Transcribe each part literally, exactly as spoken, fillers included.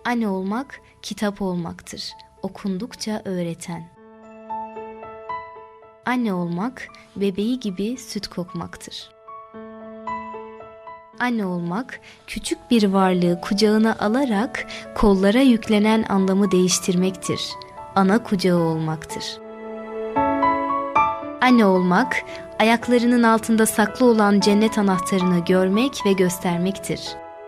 Anne olmak, kitap olmaktır. Okundukça öğreten. Anne olmak, bebeği gibi süt kokmaktır. Anne olmak, küçük bir varlığı kucağına alarak kollara yüklenen anlamı değiştirmektir. Ana kucağı olmaktır. Anne olmak, ayaklarının altında saklı olan cennet anahtarını görmek ve göstermektir.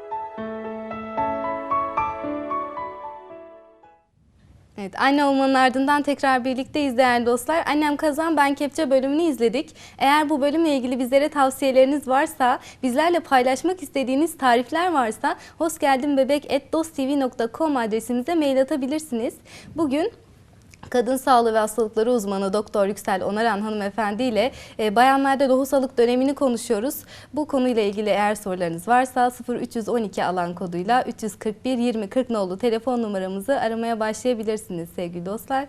Evet, anne olmanın ardından tekrar birlikteyiz değerli dostlar. Annem Kazan Ben Kepçe bölümünü izledik. Eğer bu bölümle ilgili bizlere tavsiyeleriniz varsa, bizlerle paylaşmak istediğiniz tarifler varsa hosgeldinbebek at dosttv nokta com adresimize mail atabilirsiniz. Bugün kadın sağlığı ve hastalıkları uzmanı Doktor Yüksel Onaran hanımefendi ile e, bayanlarda lohusalık dönemini konuşuyoruz. Bu konuyla ilgili eğer sorularınız varsa sıfır üç yüz on iki alan koduyla üç yüz kırk bir yirmi kırk nolu telefon numaramızı aramaya başlayabilirsiniz sevgili dostlar.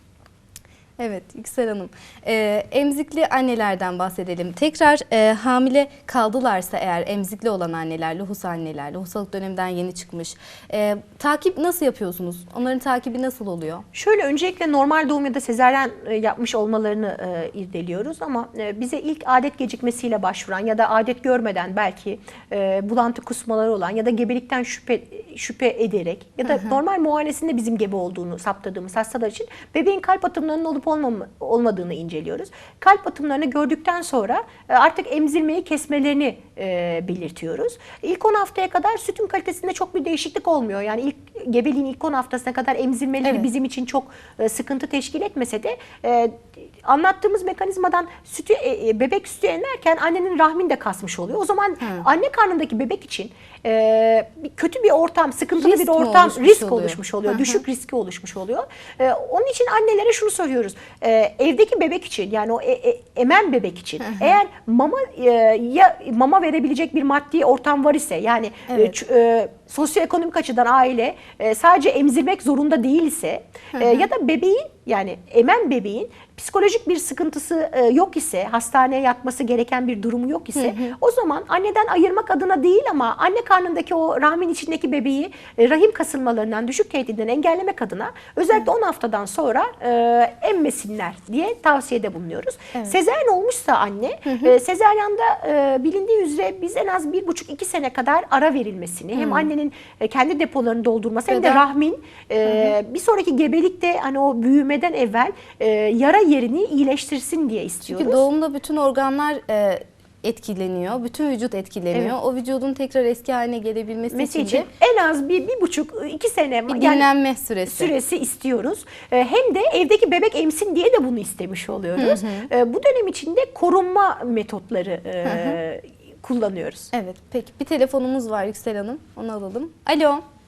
Evet Yüksel Hanım, e, emzikli annelerden bahsedelim. Tekrar e, hamile kaldılarsa eğer emzikli olan anneler, lohus anneler, lohusalık döneminden yeni çıkmış. E, takip nasıl yapıyorsunuz? Onların takibi nasıl oluyor? Şöyle öncelikle normal doğum ya da sezaryen yapmış olmalarını e, irdeliyoruz ama e, bize ilk adet gecikmesiyle başvuran ya da adet görmeden belki e, bulantı kusmaları olan ya da gebelikten şüphe şüphe ederek ya da hı hı. normal muayenesinde bizim gebe olduğunu saptadığımız hastalar için bebeğin kalp atımlarının olup olmam olmadığını inceliyoruz. Kalp atımlarını gördükten sonra artık emzirmeyi kesmelerini e, belirtiyoruz. İlk on haftaya kadar sütün kalitesinde çok bir değişiklik olmuyor. Yani ilk gebeliğin ilk on haftasına kadar emzirmeleri evet. bizim için çok e, sıkıntı teşkil etmese de e, anlattığımız mekanizmadan sütü e, bebek sütü emerken annenin rahmini de kasmış oluyor. O zaman hmm. anne karnındaki bebek için e, kötü bir ortam, sıkıntılı risk bir ortam, oluşmuş risk oluyor. oluşmuş oluyor. Hı hı. Düşük riski oluşmuş oluyor. E, onun için annelere şunu soruyoruz. E, evdeki bebek için yani o e, e, emen bebek için hı hı. eğer mama e, ya mama verebilecek bir maddi ortam var ise yani evet. e, e, sosyoekonomik açıdan aile e, sadece emzirmek zorunda değilse e, ya da bebeğin yani emen bebeğin psikolojik bir sıkıntısı e, yok ise, hastaneye yatması gereken bir durumu yok ise hı hı. o zaman anneden ayırmak adına değil ama anne karnındaki o rahmin içindeki bebeği e, rahim kasılmalarından, düşük tehdidinden engellemek adına özellikle hı. on haftadan sonra e, emmesinler diye tavsiyede bulunuyoruz. Evet. Sezaryen olmuşsa anne, hı hı. E, sezaryanda e, bilindiği üzere biz en az bir buçuk iki sene kadar ara verilmesini, hı. hem annenin e, kendi depolarını doldurması hem de rahmin e, bir sonraki gebelikte hani o büyümeden evvel e, yara yerini iyileştirsin diye istiyoruz. Çünkü doğumda bütün organlar e, etkileniyor, bütün vücut etkileniyor. Evet. O vücudun tekrar eski haline gelebilmesi için, için en az bir, bir buçuk, iki sene bir dinlenme yani süresi. süresi istiyoruz. E, hem de evdeki bebek emsin diye de bunu istemiş oluyoruz. Hı hı. E, bu dönem içinde korunma metotları e, hı hı. kullanıyoruz. Evet, peki bir telefonumuz var Yüksel Hanım, onu alalım. Alo.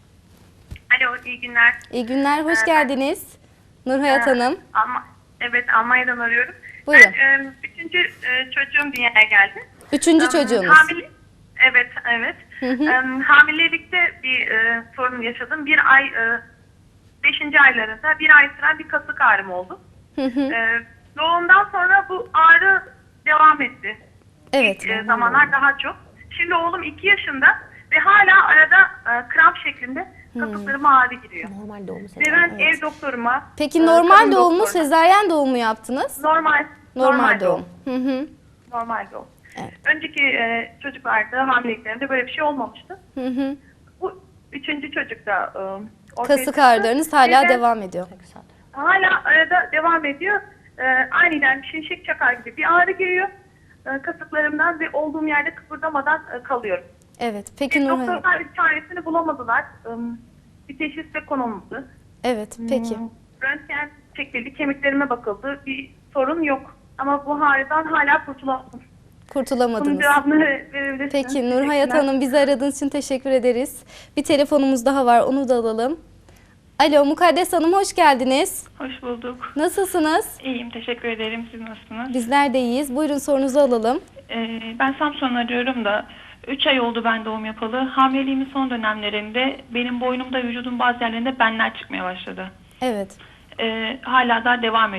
Alo, iyi günler. İyi günler, hoş ee, geldiniz. Nurhayat ee, Hanım. Alma Evet, Almanya'dan arıyorum. Buyurun. Ben e, üçüncü e, çocuğum dünyaya geldi. Üçüncü um, çocuğunuz. Hamile, evet, evet. Hı hı. Um, hamilelikte bir e, sorun yaşadım. Bir ay, e, beşinci aylarında bir ay süren bir kasık ağrım oldu. Hı hı. E, doğumdan sonra bu ağrı devam etti. Evet. İlk e, zamanlar daha çok. Şimdi oğlum iki yaşında ve hala arada e, kramp şeklinde kasıklarıma ağrı giriyor. Normal doğum Ve ben evet. ev doktoruma... Peki normal doğum mu, sezaryen doğum mu yaptınız? Normal. Normal, normal doğum. doğum. Hı hı. Normal doğum. Evet. Önceki e, çocuklarda, hamileliklerimde böyle bir şey olmamıştı. Hı hı. Bu üçüncü çocukta... E, kasık ağrılarınız hala Neden? devam ediyor. Hala arada devam ediyor. E, aniden şimşek çakar gibi bir ağrı giriyor. E, kasıklarımdan ve olduğum yerde kıpırdamadan e, kalıyorum. Evet. Peki Nurhan. Doktorlar bir çaresini bulamadılar. Bir teşhis de konulmadı. Evet. Peki. Röntgen çekildi, kemiklerime bakıldı. Bir sorun yok. Ama bu ağrıdan hala kurtulamadım. Kurtulamadınız. Bunun cevabını verebilirsiniz. Peki Nurhayat Hanım, bizi aradığınız için teşekkür ederiz. Bir telefonumuz daha var, onu da alalım. Alo, Mukaddes Hanım, hoş geldiniz. Hoş bulduk. Nasılsınız? İyiyim, teşekkür ederim. Siz nasılsınız? Bizler de iyiyiz. Buyurun, sorunuzu alalım. Ee, ben Samsun'dan arıyorum da üç ay oldu ben doğum yapalı. Hamileliğimin son dönemlerinde benim boynumda, vücudun bazı yerlerinde benler çıkmaya başladı. Evet. Ee, hala da devam ediyor.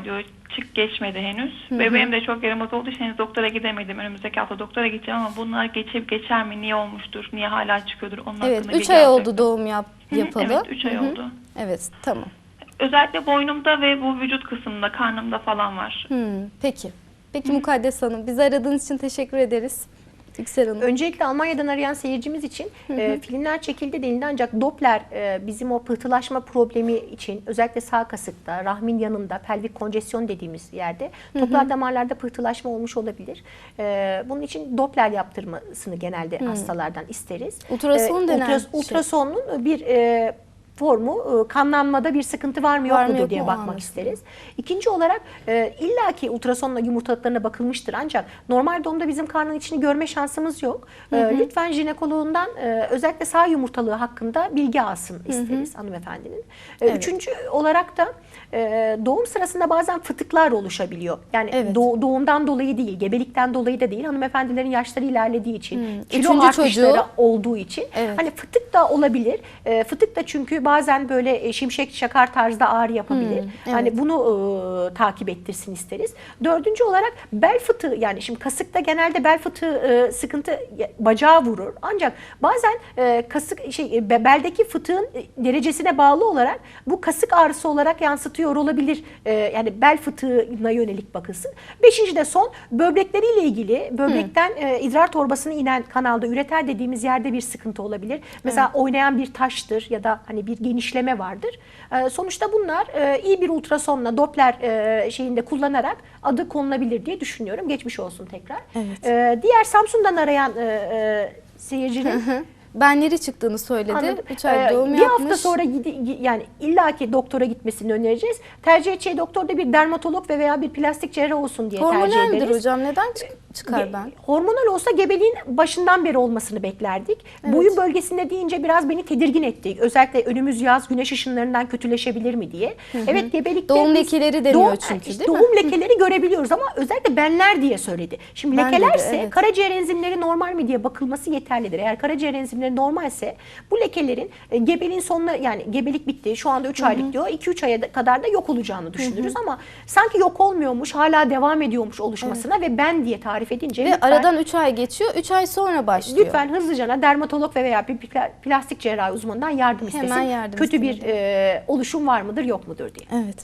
çık geçmedi henüz. Bebeğim de çok yaramaz olduğu için henüz doktora gidemedim. Önümüzdeki hafta doktora gideceğim ama bunlar geçip geçer mi? Niye olmuştur? Niye hala çıkıyordur? Onun Evet, hakkında üç bilgi ay alacaktım. oldu doğum yap, Hı hı, yapalı. Evet, üç ay Hı hı. oldu. Evet, tamam. Özellikle boynumda ve bu vücut kısmında, karnımda falan var. Hmm, peki. Peki Mukaddes Hanım, bizi aradığınız için teşekkür ederiz. Yüksel Hanım. Öncelikle Almanya'dan arayan seyircimiz için e, filmler çekildi denildi ancak Doppler e, bizim o pıhtılaşma problemi için özellikle sağ kasıkta, rahmin yanında, pelvik konjesyon dediğimiz yerde toplar damarlarda pıhtılaşma olmuş olabilir. E, bunun için Doppler yaptırmasını genelde hastalardan isteriz. Ultrason E, denen ultras- şey. Ultrasonun bir e, formu e, kanlanmada bir sıkıntı var mı yok Var mı, mudur yok diye mu? bakmak Anlaşıldı. isteriz. İkinci olarak e, illaki ultrasonla yumurtalıklarına bakılmıştır ancak normal doğumda bizim karnın içini görme şansımız yok. E, lütfen jinekoloğundan e, özellikle sağ yumurtalığı hakkında bilgi alsın isteriz hanımefendinin. E, Evet. Üçüncü olarak da e, doğum sırasında bazen fıtıklar oluşabiliyor. Yani Evet. doğ- doğumdan dolayı değil, gebelikten dolayı da değil. Hanımefendilerin yaşları ilerlediği için, kilo Üçüncü artışları çocuğu. olduğu için Evet. hani fıtık da olabilir. E, fıtık da çünkü bazen böyle e, şimşek çakar tarzda ağrı yapabilir. evet. Hani bunu e, takip ettirsin isteriz. Dördüncü olarak bel fıtığı, yani şimdi kasıkta genelde bel fıtığı e, sıkıntı ya- bacağı vurur. Ancak bazen e, kasık şey e, be- beldeki fıtığın e, derecesine bağlı olarak bu kasık ağrısı olarak yansıtıyor olabilir. E, yani bel fıtığına yönelik bakılsın. Beşinci de son, böbrekleriyle ilgili böbrekten e, idrar torbasına inen kanalda üreter dediğimiz yerde bir sıkıntı olabilir. Mesela oynayan bir taştır ya da hani bir genişleme vardır. E, sonuçta bunlar e, iyi bir ultrasonla Doppler e, şeyinde kullanarak adı konulabilir diye düşünüyorum. Geçmiş olsun tekrar. Evet. E, diğer Samsun'dan arayan e, e, seyircinin Benleri çıktığını söyledi. Anladım. üç ay Ee, doğum bir yapmış. hafta sonra gidi, gi- yani illaki doktora gitmesini önereceğiz. Tercih edeceği doktor da bir dermatolog ve veya bir plastik cerrah olsun diye tercih Hormonal ederiz. midir hocam? Neden çık- çıkar Ge- ben? Hormonal olsa gebeliğin başından beri olmasını beklerdik. Boyun bölgesinde deyince biraz beni tedirgin etti. Özellikle önümüz yaz, güneş ışınlarından kötüleşebilir mi diye. Evet, gebelikte Doğum biz- lekeleri deniyor doğum- çünkü, işte değil mi? Doğum lekeleri görebiliyoruz ama özellikle benler diye söyledi. Şimdi Ben dedi, lekelerse evet. karaciğer enzimleri normal mi diye bakılması yeterlidir. Eğer karaciğer enzimleri normalse bu lekelerin e, gebeliğin sonuna, yani gebelik bitti şu anda üç aylık diyor, iki üç aya da- kadar da yok olacağını düşünürüz ama sanki yok olmuyormuş, hala devam ediyormuş oluşmasına ve ben diye tarif edince Ve lütfen, aradan üç ay geçiyor. üç ay sonra başlıyor. lütfen hızlıca dermatolog ve veya bir pla- plastik cerrahi uzmanından yardım Hemen istesin. yardım Kötü bir isteyelim. e, oluşum var mıdır yok mudur diye. Evet.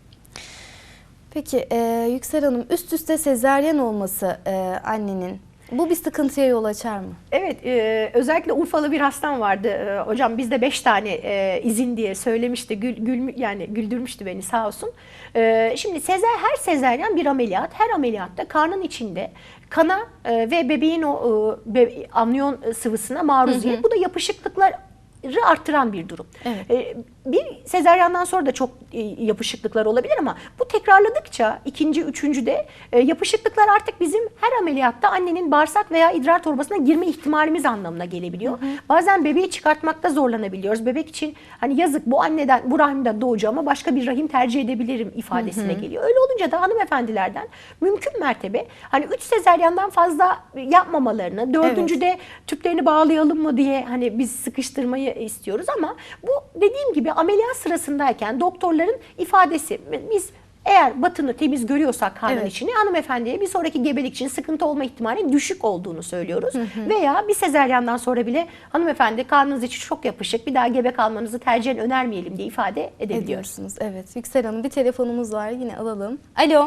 Peki e, Yüksel Hanım, üst üste sezaryen olması e, annenin bu bir sıkıntıya yol açar mı? Evet, e, özellikle Urfalı bir hastam vardı. E, hocam bizde beş tane e, izin diye söylemişti. Gül, gül, yani güldürmüştü beni sağ olsun. E, şimdi sezer, her sezeryan bir ameliyat. Her ameliyatta karnın içinde kana e, ve bebeğin o e, be, amniyon sıvısına maruziyet. Bu da yapışıklıklar arttıran bir durum. Evet. E, bir sezaryandan sonra da çok e, yapışıklıklar olabilir ama bu tekrarladıkça ikinci, üçüncüde e, yapışıklıklar artık bizim her ameliyatta annenin bağırsak veya idrar torbasına girme ihtimalimiz anlamına gelebiliyor. Bazen bebeği çıkartmakta zorlanabiliyoruz. Bebek için hani yazık, bu anneden, bu rahimden doğacağıma başka bir rahim tercih edebilirim ifadesine geliyor. Öyle olunca da hanımefendilerden mümkün mertebe hani üç sezaryandan fazla yapmamalarını, dördüncüde tüplerini bağlayalım mı diye hani biz sıkıştırmayı istiyoruz ama bu dediğim gibi ameliyat sırasındayken doktorların ifadesi, biz eğer batını temiz görüyorsak karnın Evet. içini, hanımefendiye bir sonraki gebelik için sıkıntı olma ihtimali düşük olduğunu söylüyoruz. Veya bir sezeryandan sonra bile hanımefendi karnınız içi çok yapışık, bir daha gebe kalmanızı tercihen önermeyelim diye ifade edebiliyoruz. Ediyorsunuz. Evet. Yüksel Hanım, bir telefonumuz var. Yine alalım. Alo.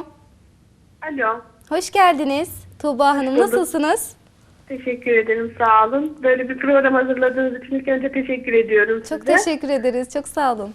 Alo. Hoş geldiniz. Tuğba Hanım, bulduk. nasılsınız? Teşekkür ederim, sağ olun. Böyle bir program hazırladığınız için ilk önce teşekkür ediyorum Çok size. teşekkür ederiz. Çok sağ olun.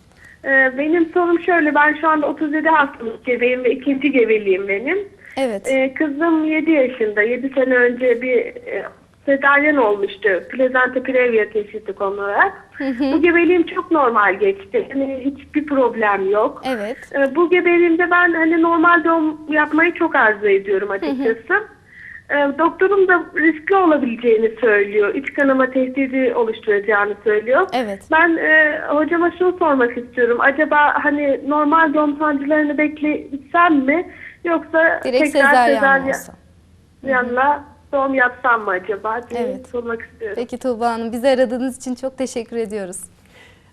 Ee, benim sorum şöyle, ben şu anda otuz yedi haftalık gebeyim ve ikinci gebeliğim benim. Evet. Ee, kızım yedi yaşında, yedi sene önce bir e, sezaryen olmuştu. Plezanta previa teşhisi konularak. Bu gebeliğim çok normal geçti. Yani hiçbir problem yok. Evet. Ee, bu gebeliğimde ben hani normal doğum yapmayı çok arzu ediyorum açıkçası. Ee, doktorum da riskli olabileceğini söylüyor. İç kanama tehdidi oluşturacağını söylüyor. Evet. Ben e, hocama şunu sormak istiyorum. Acaba hani normal doğum sancılarını beklesem mi? Yoksa Direkt tekrar sezaryen mi olsa? sezaryenle doğum yapsam mı acaba diye Evet. sormak istiyorum. Peki Tuğba Hanım, bizi aradığınız için çok teşekkür ediyoruz.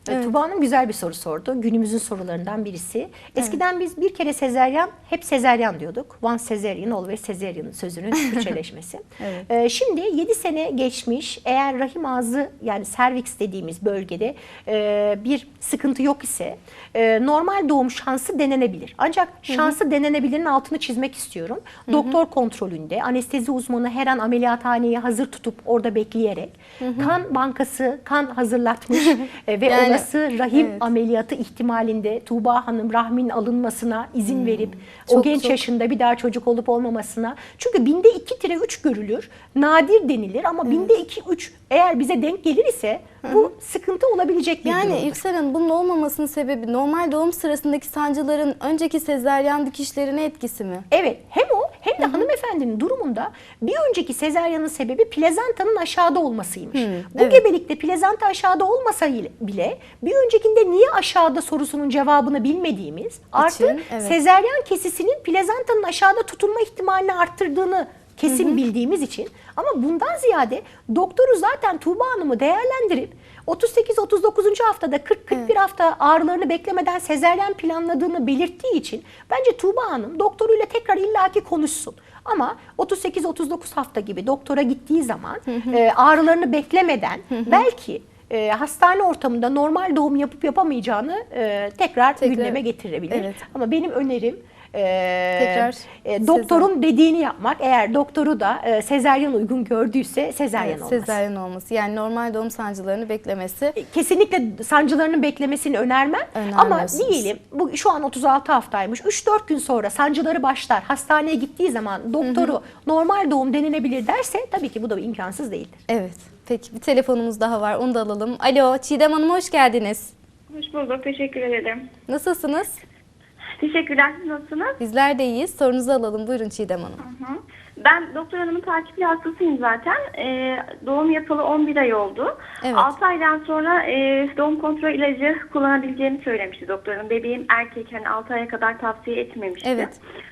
Evet. Tuba Hanım güzel bir soru sordu. Günümüzün sorularından birisi. Eskiden biz bir kere sezeryan, hep sezeryan diyorduk. Once cesarean, always cesarean sözünün Türkçeleşmesi. Evet. Ee, şimdi yedi sene geçmiş. Eğer rahim ağzı yani serviks dediğimiz bölgede e, bir sıkıntı yok ise e, normal doğum şansı denenebilir. Ancak şansı denenebilirin altını çizmek istiyorum. Hı hı. Doktor kontrolünde anestezi uzmanı her an ameliyathaneyi hazır tutup orada bekleyerek hı hı. kan bankası kan hazırlatmış e, ve yani, olası rahim evet. ameliyatı ihtimalinde Tuğba Hanım rahmin alınmasına izin hmm. verip çok, o genç çok. yaşında bir daha çocuk olup olmamasına. Çünkü binde iki tire üç görülür. Nadir denilir ama evet. binde iki üç eğer bize denk gelir ise bu Hı-hı. sıkıntı olabilecek bir yani durumdur. Yani İlksel Hanım bunun olmamasının sebebi normal doğum sırasındaki sancıların önceki sezaryen dikişlerine etkisi mi? Evet, hem o hem de Hı-hı. hanımefendinin durumunda bir önceki sezaryanın sebebi plezantanın aşağıda olmasıymış. Hı, bu evet. gebelikte plezanta aşağıda olmasa bile bir öncekinde niye aşağıda sorusunun cevabını bilmediğimiz artı İçin, evet. sezaryen kesisinin plezantanın aşağıda tutunma ihtimalini arttırdığını kesin hı hı. bildiğimiz için ama bundan ziyade doktoru zaten Tuğba Hanım'ı değerlendirip otuz sekiz otuz dokuzuncu haftada kırk kırk bir evet. hafta ağrılarını beklemeden sezaryen planladığını belirttiği için bence Tuğba Hanım doktoruyla tekrar illaki konuşsun. Ama otuz sekiz otuz dokuz hafta gibi doktora gittiği zaman hı hı. E, ağrılarını beklemeden hı hı. belki e, hastane ortamında normal doğum yapıp yapamayacağını e, tekrar, tekrar gündeme getirebilir. Evet. Ama benim önerim Ee, Tekrar e, doktorun sezaryen. dediğini yapmak. Eğer doktoru da e, sezaryen uygun gördüyse sezaryen evet, olması. Sezaryen olması. Yani normal doğum sancılarını beklemesi. E, kesinlikle sancılarının beklemesini önermem. Ama diyelim bu şu an otuz altı haftaymış. üç dört gün sonra sancıları başlar. Hastaneye gittiği zaman doktoru hı hı. normal doğum denilebilir derse tabii ki bu da imkansız değildir. Evet. Peki bir telefonumuz daha var. Onu da alalım. Alo Çiğdem Hanım hoş geldiniz. Hoş bulduk. Teşekkür ederim. Nasılsınız? Teşekkürler. Nasılsınız? Bizler de iyiyiz. Sorunuzu alalım. Buyurun Çiğdem Hanım. Hı hı. Ben doktor hanımın takipli hastasıyım zaten. Ee, doğum yapalı on bir ay oldu. Evet. altı aydan sonra e, doğum kontrol ilacı kullanabileceğini söylemişti doktor hanım. Bebeğim erkek, hani altı aya kadar tavsiye etmemişti. Evet.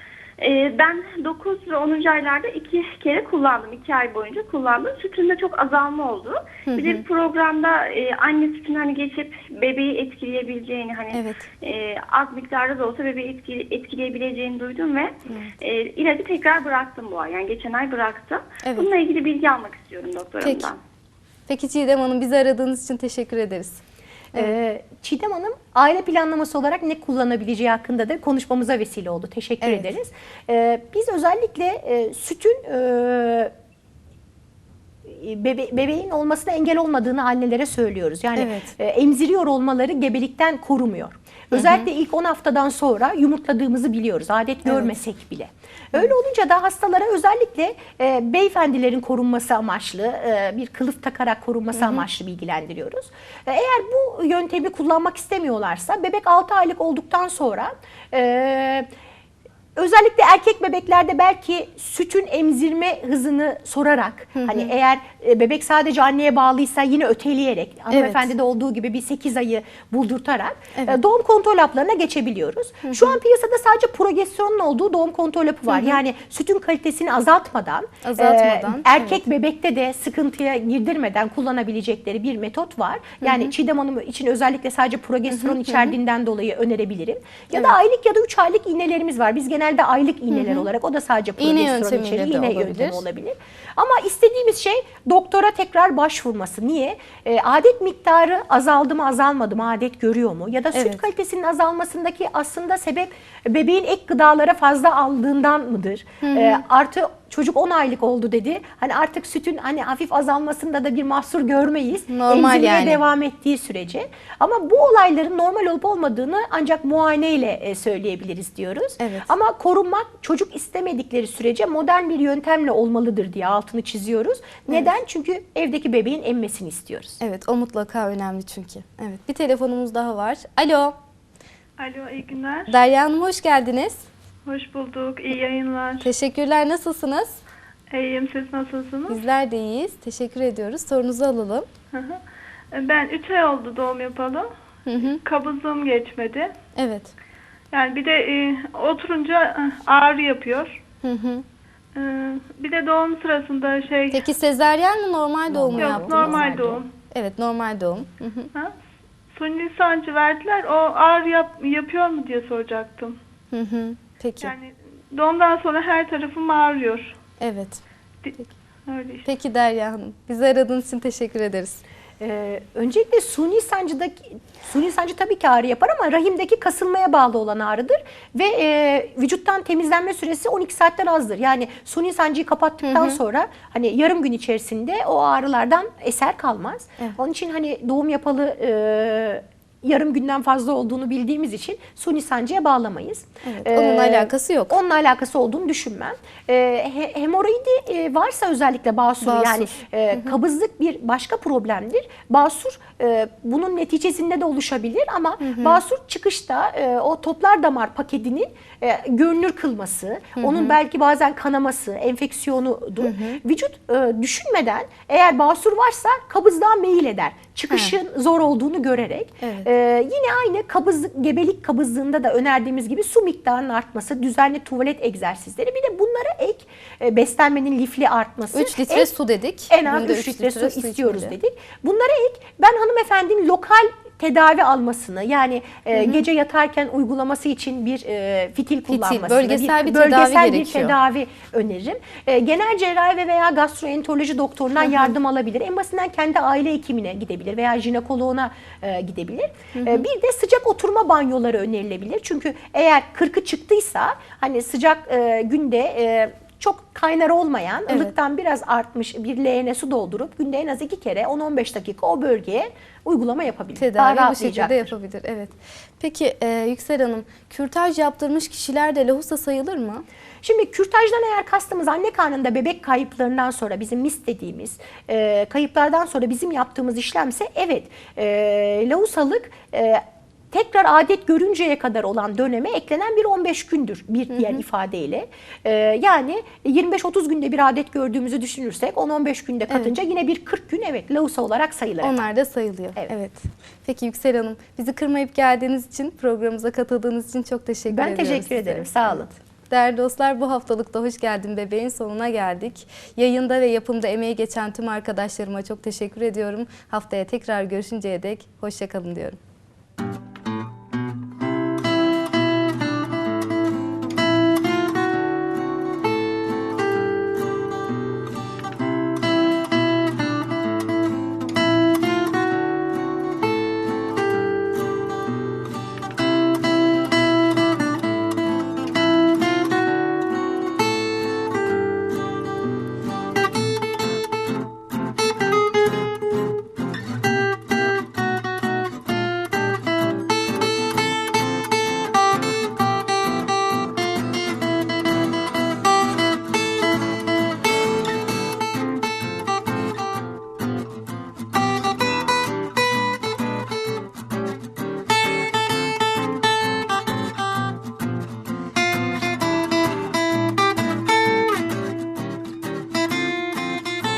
Ee, ben dokuz ve onuncu aylarda iki kere kullandım. iki ay boyunca kullandım. Sütünde çok azalma oldu. Hı hı. Bir de programda e, anne sütünü hani geçip bebeği etkileyebileceğini, hani evet. e, az miktarda da olsa bebeği etkile, etkileyebileceğini duydum ve e, ilacı tekrar bıraktım bu ay. Yani geçen ay bıraktım. Evet. Bununla ilgili bilgi almak istiyorum doktorumdan. Peki. Peki Çiğdem Hanım, bizi aradığınız için teşekkür ederiz. Evet. Ee, Çiğdem Hanım aile planlaması olarak ne kullanabileceği hakkında da konuşmamıza vesile oldu. Teşekkür evet. ederiz. Ee, biz özellikle e, sütün e, bebe bebeğin olmasına engel olmadığını annelere söylüyoruz. Yani evet. e, emziriyor olmaları gebelikten korumuyor. Özellikle hı hı. ilk on haftadan sonra yumurtladığımızı biliyoruz. Adet evet. görmesek bile. Öyle olunca da hastalara özellikle e, beyefendilerin korunması amaçlı e, bir kılıf takarak korunması hı hı. amaçlı bilgilendiriyoruz. E, eğer bu yöntemi kullanmak istemiyorlarsa bebek altı aylık olduktan sonra e, özellikle erkek bebeklerde belki sütün emzirme hızını sorarak hı hı. hani eğer bebek sadece anneye bağlıysa yine öteleyerek hanımefendide evet. olduğu gibi bir sekiz ayı buldurtarak evet. doğum kontrol haplarına geçebiliyoruz. Hı hı. Şu an piyasada sadece progesteronun olduğu doğum kontrol hapı var. Hı hı. Yani sütün kalitesini azaltmadan, azaltmadan e, erkek evet. bebekte de sıkıntıya girdirmeden kullanabilecekleri bir metot var. Yani hı hı. Çiğdem Hanım için özellikle sadece progesteron hı hı. içerdiğinden dolayı önerebilirim. Ya evet. da aylık ya da üç aylık iğnelerimiz var. Biz genelde Genelde aylık iğneler hı hı. olarak, o da sadece progesteron içeriği, iğne yöntemi olabilir. Ama istediğimiz şey doktora tekrar başvurması. Niye? E, adet miktarı azaldı mı azalmadı mı, adet görüyor mu? Ya da süt evet. kalitesinin azalmasındaki aslında sebep bebeğin ek gıdalara fazla aldığından mıdır? Hı hı. E, artı çocuk on aylık oldu dedi. Hani artık sütün hani hafif azalmasında da bir mahsur görmeyiz. Normal Emzirmeye yani. devam ettiği sürece. Ama bu olayların normal olup olmadığını ancak muayeneyle söyleyebiliriz diyoruz. Evet. Ama korunmak çocuk istemedikleri sürece modern bir yöntemle olmalıdır diye altını çiziyoruz. Neden? Evet. Çünkü evdeki bebeğin emmesini istiyoruz. Evet, o mutlaka önemli çünkü. Evet, bir telefonumuz daha var. Alo. Alo, iyi günler. Derya Hanım hoş geldiniz. Hoş bulduk, iyi yayınlar. Teşekkürler, nasılsınız? İyiyim, siz nasılsınız? Bizler de iyiyiz, teşekkür ediyoruz. Sorunuzu alalım. Hı hı. Ben üç ay oldu doğum yapalı. Hı hı. Kabızlığım geçmedi. Evet. Yani bir de e, oturunca ağrı yapıyor. Hı hı. E, bir de doğum sırasında şey... Peki sezaryen mi, normal doğum mu Yok, yaptınız? normal doğum. Evet, normal doğum. Hı hı. Ha? suni sancı verdiler. O ağrı yap, yapıyor mu diye soracaktım. Hı hı. Peki. Yani doğumdan sonra her tarafım ağrıyor. Evet. Öyle işte. Peki Derya Hanım. Bizi aradığınız için teşekkür ederiz. Ee, öncelikle suni sancıdaki suni sancı tabii ki ağrı yapar ama rahimdeki kasılmaya bağlı olan ağrıdır ve e, vücuttan temizlenme süresi on iki saatten azdır. Yani suni sancıyı kapattıktan hı hı. sonra hani yarım gün içerisinde o ağrılardan eser kalmaz. Evet. Onun için hani doğum yapalı e, yarım günden fazla olduğunu bildiğimiz için suni sancıya bağlamayız. Evet, onunla ee, alakası yok. Onunla alakası olduğunu düşünmem. Ee, he, hemoroidi e, varsa özellikle basur, basur. yani e, kabızlık bir başka problemdir. Basur e, bunun neticesinde de oluşabilir ama hı hı. basur çıkışta e, o toplar damar paketinin e, görünür kılması, hı hı. onun belki bazen kanaması, enfeksiyonudur. Hı hı. Vücut e, düşünmeden eğer basur varsa kabızlığa meyil eder. Çıkışın ha. zor olduğunu görerek. Evet. Ee, yine aynı kabızlık, gebelik kabızlığında da önerdiğimiz gibi su miktarının artması, düzenli tuvalet egzersizleri. Bir de bunlara ek e, beslenmenin lifli artması. üç litre en, su dedik. En az üç litre, litre su, su istiyoruz içmeli. dedik. Bunlara ek ben hanımefendinin lokal tedavi almasını yani e, gece yatarken uygulaması için bir e, fitil, fitil kullanmasını, bölgesel bir, bir bölgesel tedavi bir gerekiyor. tedavi öneririm. E, genel cerrahi ve veya gastroenteroloji doktorundan hı hı. yardım alabilir. En basitinden kendi aile hekimine gidebilir veya jinekoloğuna e, gidebilir. Hı hı. E, bir de sıcak oturma banyoları önerilebilir. Çünkü eğer kırkı çıktıysa hani sıcak e, günde e, çok kaynar olmayan, evet. ılıktan biraz artmış bir leğene su doldurup günde en az iki kere on on beş dakika o bölgeye uygulama yapabilir. Tedavi bu şekilde yapabilir. Evet. Peki e, Yüksel Hanım, kürtaj yaptırmış kişiler de lohusa sayılır mı? Şimdi kürtajdan eğer kastımız anne karnında bebek kayıplarından sonra bizim mis dediğimiz e, kayıplardan sonra bizim yaptığımız işlemse evet e, lohusalık e, tekrar adet görünceye kadar olan döneme eklenen bir on beş gündür bir diğer hı hı. ifadeyle. Ee, yani yirmi beş otuz günde bir adet gördüğümüzü düşünürsek on on beş günde katınca evet. yine bir kırk gün evet lohusa olarak sayılır. Onlar da sayılıyor. Evet. evet. Peki Yüksel Hanım, bizi kırmayıp geldiğiniz için, programımıza katıldığınız için çok teşekkür ben ediyorum. Ben teşekkür size. ederim. Sağ olun. Değerli dostlar, bu haftalıkta Hoş Geldin Bebeğin sonuna geldik. Yayında ve yapımda emeği geçen tüm arkadaşlarıma çok teşekkür ediyorum. Haftaya tekrar görüşünceye dek hoşça kalın diyorum.